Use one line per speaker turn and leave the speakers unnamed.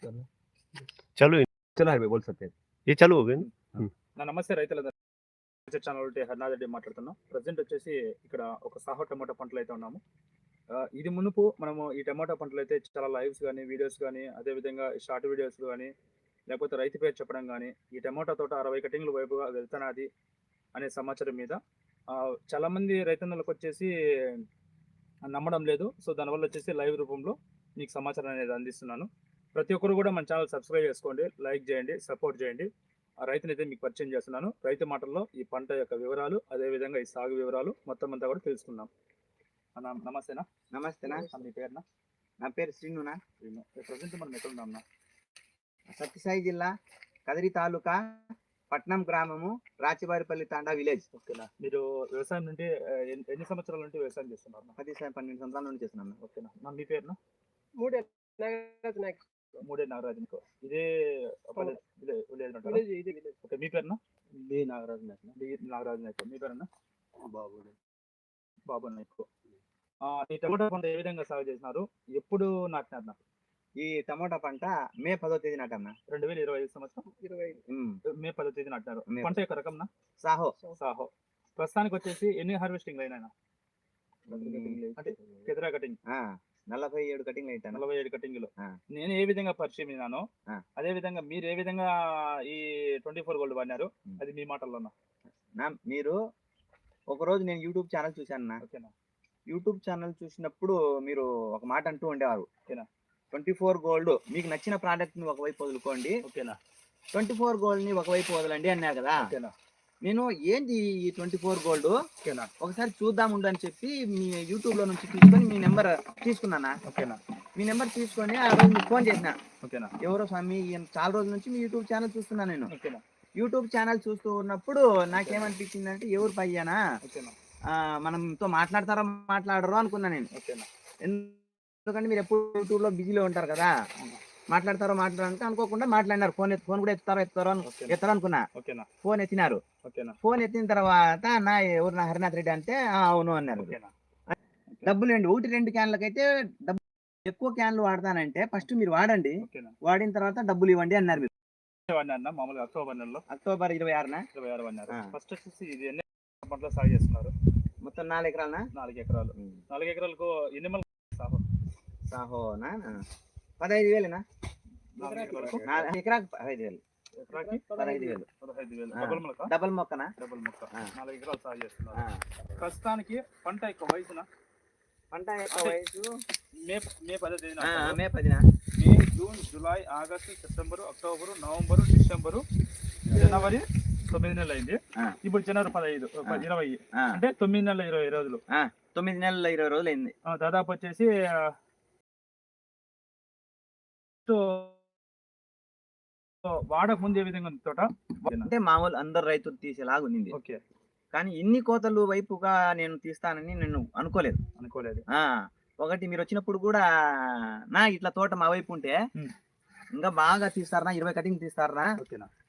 चलो चलो हाईवे बोल सकते हैं ये चालू हो गए
నా నమస్తే రైతులందరూ ఛానల్ ఒకటి హర్నాథ్ మాట్లాడుతున్నాం. ప్రజెంట్ వచ్చేసి ఇక్కడ ఒక సాహో టమాటా పంటలు అయితే ఉన్నాము. ఇది మునుపు మనము ఈ టమాటా పంటలు అయితే చాలా లైవ్స్ కానీ వీడియోస్ కానీ అదేవిధంగా షార్ట్ వీడియోస్ కానీ లేకపోతే రైతు పేరు చెప్పడం కానీ ఈ టమాటా తోట 60 కటింగ్ల వైపుగా వెళ్తున్నది అనే సమాచారం మీద చాలామంది రైతన్నలకు వచ్చేసి నమ్మడం లేదు. సో దానివల్ల వచ్చేసి లైవ్ రూపంలో మీకు సమాచారం అనేది అందిస్తున్నాను. ప్రతి ఒక్కరు కూడా మన ఛానల్ సబ్స్క్రైబ్ చేసుకోండి, లైక్ చేయండి, సపోర్ట్ చేయండి. ఆ రైతునైతే మీకు పరిచయం చేస్తున్నాను. రైతు మాటల్లో ఈ పంట యొక్క వివరాలు అదేవిధంగా ఈ సాగు వివరాలు మొత్తం అంతా కూడా తెలుసుకుందాం. నమస్తేనా?
నమస్తేనా.
మీ పేరునా?
నా పేరు శ్రీనునా.
శ్రీను. ప్రజెంట్ మనం ఎక్కడ ఉన్నాం?
సత్యసాయి జిల్లా కదిరి తాలూకా పట్నం గ్రామము రాచివారిపల్లి తాండా విలేజ్.
ఓకేనా. మీరు వ్యవసాయం నుండి ఎన్ని సంవత్సరాల నుండి వ్యవసాయం చేస్తున్నారు?
12 సంవత్సరాల నుండి చేస్తున్నాను.
ఓకేనా. మీ పేరునా?
మూడే
నాగరాజు. ఇదే ఓకే. మీ పేరునా?
నాగరాజు
నాయక్. మీ పేరునా? బాబు నాయక్. ఈ టమాటా పంట ఏ విధంగా సాగు చేసినారు, ఎప్పుడు నాటినారు?
ఈ టమోటా పంట మే 10వ తేదీ నాటన్నా.
2025 సంవత్సరం మే 10వ తేదీ నాటినారు. పంట యొక్క రకంనా?
సాహో.
ప్రస్తుతానికి వచ్చేసి ఎన్ని హార్వెస్టింగ్ అయినా అంటే కెదరా కటింగ్
47 కటింగ్ అయితే
47 కటింగ్లు నేను ఏ విధంగా పరిచయం అయినానో అదే విధంగా మీరు ఏ విధంగా ఈ 24 గోల్డ్ వాడినారు అది మీ మాటల్లోనా?
మీరు ఒకరోజు నేను యూట్యూబ్ ఛానల్ చూశాను.
ఓకేనా.
యూట్యూబ్ ఛానల్ చూసినప్పుడు మీరు ఒక మాట అంటూ ఉండేవారు. ఓకేనా. 24 గోల్డ్ మీకు నచ్చిన ప్రోడక్ట్ ని ఒకవైపు వదులుకోండి,
ఓకేనా,
24 గోల్డ్ ని ఒకవైపు వదలండి అన్నారు కదా.
ఓకేనా.
నేను ఏంటి ఈ 24 గోల్డ్
ఓకేనా
ఒకసారి చూద్దాం ఉండు అని చెప్పి మీ యూట్యూబ్ లో నుంచి తీసుకొని మీ నెంబర్ తీసుకున్నానా.
ఓకేనా.
మీ నెంబర్ తీసుకొని ఆ రోజు మీకు ఫోన్ చేసిన.
ఓకేనా.
ఎవరో స్వామి చాలా రోజుల నుంచి మీ యూట్యూబ్ ఛానల్ చూస్తున్నాను నేను.
ఓకేనా.
యూట్యూబ్ ఛానల్ చూస్తూ ఉన్నప్పుడు నాకేమనిపించింది అంటే ఎవరు పయ్యానా మనంతో మాట్లాడతారో మాట్లాడరో అనుకున్నా నేను.
ఓకేనా.
ఎందుకంటే మీరు ఎప్పుడు యూట్యూబ్ లో బిజీలో ఉంటారు కదా, మాట్లాడతారో మాట్లాడాలంటే అనుకోకుండా మాట్లాడినారు. ఫోన్ కూడా ఎత్తారో అనుకున్నా. ఫోన్ ఎత్తినారు. ఫోన్ ఎత్తిన తర్వాత ఎవరు నా హరినాథ్ రెడ్డి అంటే అవును అన్నారు. డబ్బులు అండి 1-2 క్యాన్లకైతే డబ్బు ఎక్కువ క్యాన్లు వాడతానంటే ఫస్ట్ మీరు వాడండి, వాడిన తర్వాత డబ్బులు ఇవ్వండి అన్నారు. మీరు
మామూలుగా
అక్టోబర్ 26న
ఫస్ట్ వచ్చేసి ఇది ఎన్ని పంటలు సాగు చేస్తున్నారు?
మొత్తం 4 ఎకరాలనా?
4 ఎకరాలు. 4 ఎకరాలకు ఎన్ని
సాహోనా 15,000 ఎకరాకు 15,000 డబల్ మొక్కనా?
డబుల్ మొక్క 4 ఎకరాలు సాగు చేస్తున్నారు. ప్రస్తుతానికి పంట యొక్క వయసున మే
10న
May, June, July, August, September, October, November, December, జనవరి 9 నెలలు అయింది. ఇప్పుడు జనవరి 20 అంటే 9 నెలల 20 రోజులు.
9 నెలల 20 రోజులు అయింది.
దాదాపు వచ్చేసి వాడక ముందు ఏ విధంగా తోట
అంటే మామూలు అందరు రైతులు తీసేలాగా ఉంది.
ఓకే.
కానీ ఇన్ని కోతలు వైపుగా నేను తీస్తానని నేను అనుకోలేదు. ఒకటి మీరు వచ్చినప్పుడు కూడా ఇట్లా తోట మా వైపు ఉంటే ఇంకా బాగా తీస్తారా, 20 కటింగ్ తీస్తారా,